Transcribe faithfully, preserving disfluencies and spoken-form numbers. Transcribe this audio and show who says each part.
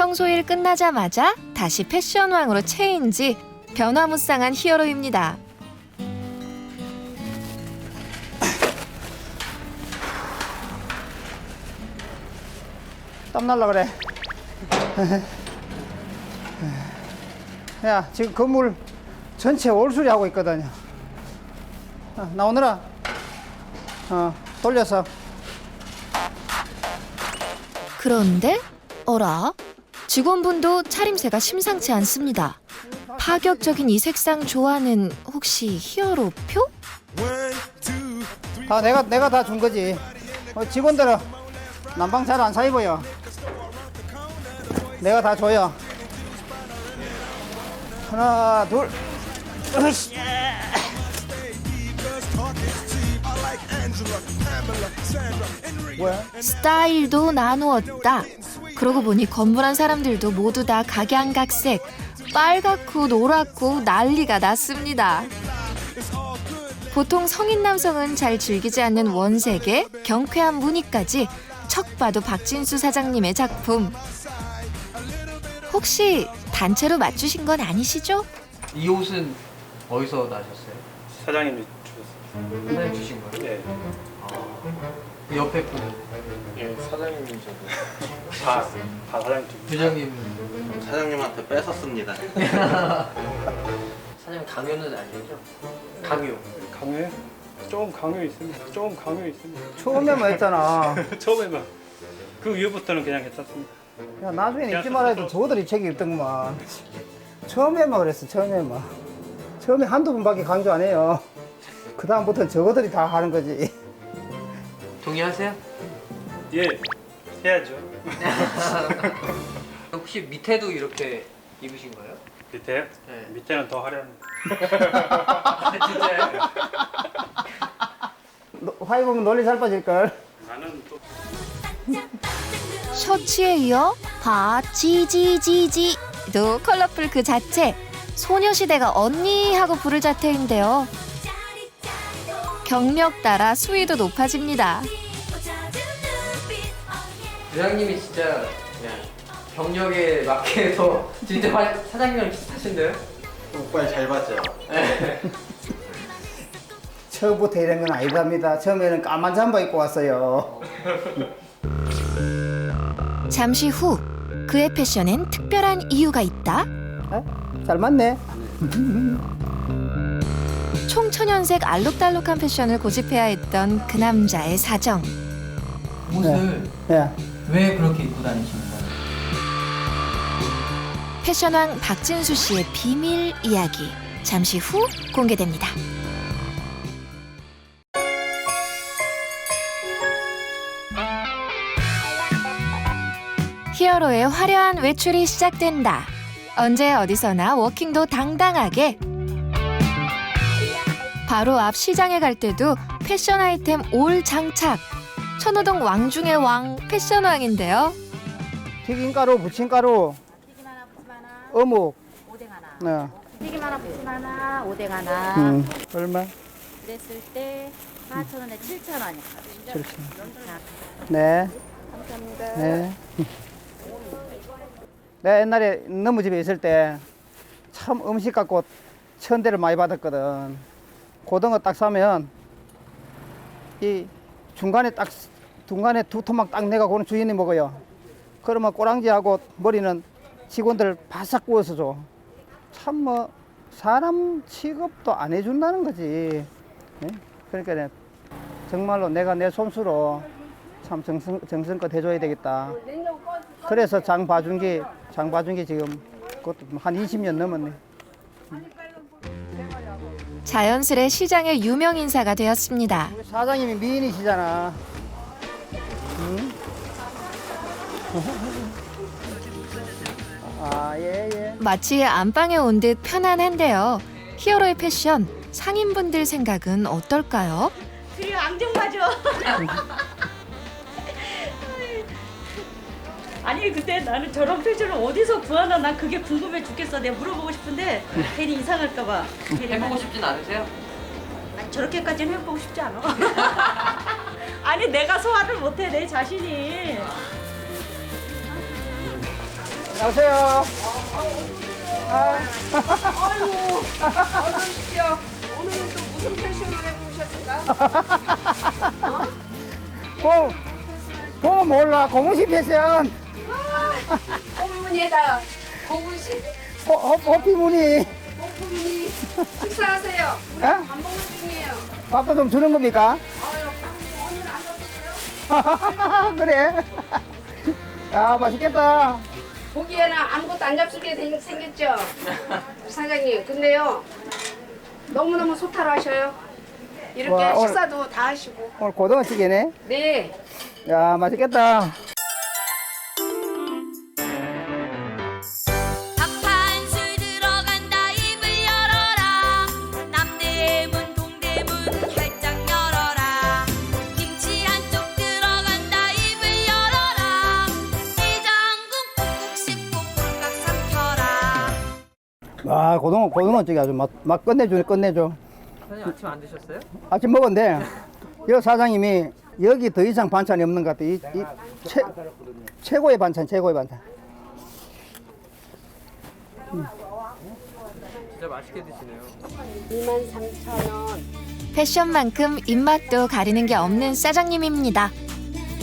Speaker 1: 청소일 끝나자마자 다시 패션왕으로 체인지, 변화무쌍한 히어로입니다.
Speaker 2: 땀 날라 그래. 야, 지금 건물 전체 올수리 하고 있거든요. 어, 나오느라 어, 돌려서.
Speaker 1: 그런데 어라? 직원분도 차림새가 심상치 않습니다. 파격적인 이 색상 조화는 혹시 히어로표?
Speaker 2: 다 내가 내가 다 준 거지. 어, 직원들은 난방 잘 안 사 입어요. 내가 다 줘요. 하나, 둘, 으이씨. 뭐야?
Speaker 1: 스타일도 나누었다. 그러고 보니 건물안 사람들도 모두 다 각양각색, 빨갛고 노랗고 난리가 났습니다. 보통 성인 남성은 잘 즐기지 않는 원색에 경쾌한 무늬까지 척 봐도 박진수 사장님의 작품. 혹시 단체로 맞추신 건 아니시죠?
Speaker 3: 이 옷은 어디서 나셨어요?
Speaker 4: 사장님이 주셨어요.
Speaker 3: 사장님 주신 거예요?
Speaker 4: 네.
Speaker 3: 그 옆에 분은?
Speaker 4: 예, 사장님이 저도 다, 다 사장님 주
Speaker 3: 부장님은?
Speaker 5: 사장님한테 뺏었습니다.
Speaker 3: 사장님 강요는 아니죠? 강요.
Speaker 4: 강요해? 조금 강요 있습니다. 조금 강요 있습니다.
Speaker 2: 처음에만 했잖아.
Speaker 4: 처음에만. 그 이후부터는 그냥 괜찮습니다.
Speaker 2: 야, 나중에는 잊지 말아야 돼. 저들이 책이 있던구만. 처음에만 그랬어, 처음에만. 처음에 한두 번밖에 강조 안 해요. 그 다음부터는 저거들이 다 하는 거지.
Speaker 3: 동의하세요?
Speaker 4: 예, 해야죠.
Speaker 3: 혹시 밑에도 이렇게 입으신 거예요?
Speaker 4: 밑에요?
Speaker 3: 네.
Speaker 4: 밑에는 더 화려합니다.
Speaker 3: 아, 진짜요?
Speaker 2: 너, 화이 보면 논리 잘 빠질걸.
Speaker 4: 나는 또
Speaker 1: 셔츠에 이어 바지지지지도 컬러풀 그 자체. 소녀시대가 언니 하고 부를 자태인데요. 경력 따라 수위도 높아집니다.
Speaker 3: 부장님이 진짜 그냥 경력에 맞게 해서 진짜 화- 사장님이랑 비슷하신데요?
Speaker 5: 오빠를 잘 봤죠?
Speaker 3: 네.
Speaker 2: 처음부터 이런 건 아니답니다. 처음에는 까만 잠바 입고 왔어요.
Speaker 1: 잠시 후 그의 패션엔 특별한 이유가 있다.
Speaker 2: 어? 잘 맞네.
Speaker 1: 총천연색 알록달록한 패션을 고집해야 했던 그 남자의 사정.
Speaker 3: 옷을
Speaker 2: 예.
Speaker 3: 왜 그렇게 입고 다니시는 거예요?
Speaker 1: 패션왕 박진수 씨의 비밀 이야기 잠시 후 공개됩니다. 히어로의 화려한 외출이 시작된다. 언제 어디서나 워킹도 당당하게. 바로 앞 시장에 갈 때도 패션 아이템 올 장착. 천호동 왕 중의 왕 패션왕인데요.
Speaker 2: 튀김가루, 부침가루,
Speaker 6: 튀김 하나, 부침 하나,
Speaker 2: 어묵.
Speaker 6: 오뎅 하나.
Speaker 2: 네.
Speaker 6: 튀김 하나, 부침 하나, 오뎅 하나.
Speaker 2: 음, 얼마?
Speaker 6: 그랬을 때 사천 원에 칠천 원이요.
Speaker 2: 칠천. 네.
Speaker 6: 감사합니다.
Speaker 2: 네. 내가 옛날에 너무 집에 있을 때 참 음식 갖고 천대를 많이 받았거든. 고등어 딱 사면 이 중간에 딱 중간에 두 토막 딱 내가 고는 주인이 먹어요. 그러면 꼬랑지하고 머리는 직원들 바싹 구워서 줘. 참 뭐 사람 취급도 안 해준다는 거지. 네? 그러니까 내- 정말로 내가 내 손수로 참 정성, 정성껏 해줘야 되겠다. 그래서 장 봐준 게, 장 봐준 게 지금 그것도 한 이십 년 넘었네.
Speaker 1: 자연스레 시장의 유명 인사가 되었습니다.
Speaker 2: 우리 사장님이 미인이시잖아. 응? 아, 예, 예.
Speaker 1: 마치 안방에 온 듯 편안한데요. 히어로의 패션, 상인분들 생각은 어떨까요?
Speaker 6: 그리고 앙증맞아. 아니 근데 나는 저런 패션을 어디서 구하나 난 그게 궁금해 죽겠어. 내가 물어보고 싶은데 괜히 이상할까봐.
Speaker 3: 해보고 싶진 않으세요?
Speaker 6: 아니 저렇게까지는 해보고 싶지 않아. 아니 내가 소화를 못해 내 자신이.
Speaker 2: 안녕하세요.
Speaker 7: 어서오십시오. 오늘은 또 무슨 패션을 해보셨을까?
Speaker 2: 보, 보면 몰라. 고무신 패션.
Speaker 7: 호미무늬에다 고무신,
Speaker 2: 호, 호, 호피무늬.
Speaker 7: 호미무늬. 식사하세요. 우리
Speaker 2: 에?
Speaker 7: 밥 먹는 중이에요.
Speaker 2: 밥도 좀 주는 겁니까?
Speaker 7: 아유, 오늘 안 먹었어요?
Speaker 2: 그래. 야, 맛있겠다.
Speaker 7: 보기에는 아무것도 안 잡수게 생- 생겼죠? 사장님, 근데요. 너무너무 소탈하셔요. 이렇게
Speaker 2: 와, 오늘-
Speaker 7: 식사도 다 하시고.
Speaker 2: 오늘 고등어찌개네.
Speaker 7: 네.
Speaker 2: 야, 맛있겠다.
Speaker 8: 밥 한 술 들어간다 입을 열어라 남대문 동대문 활짝 열어라 김치 한쪽 들어간다 입을 열어라 해장국 꾹꾹 씹고 꼴깍 삼켜라
Speaker 2: 와, 고등어, 고등어찌개 아주 맛, 맛 끝내주네, 끝내줘.
Speaker 3: 사장님 아침 안 드셨어요?
Speaker 2: 아침 먹었는데, 여 사장님이 여기 더 이상 반찬이 없는 것 같아. 이, 이 최, 최고의 반찬, 최고의 반찬.
Speaker 3: 진짜 맛있게 드시네요.
Speaker 7: 이만 삼천 원.
Speaker 1: 패션만큼 입맛도 가리는 게 없는 사장님입니다.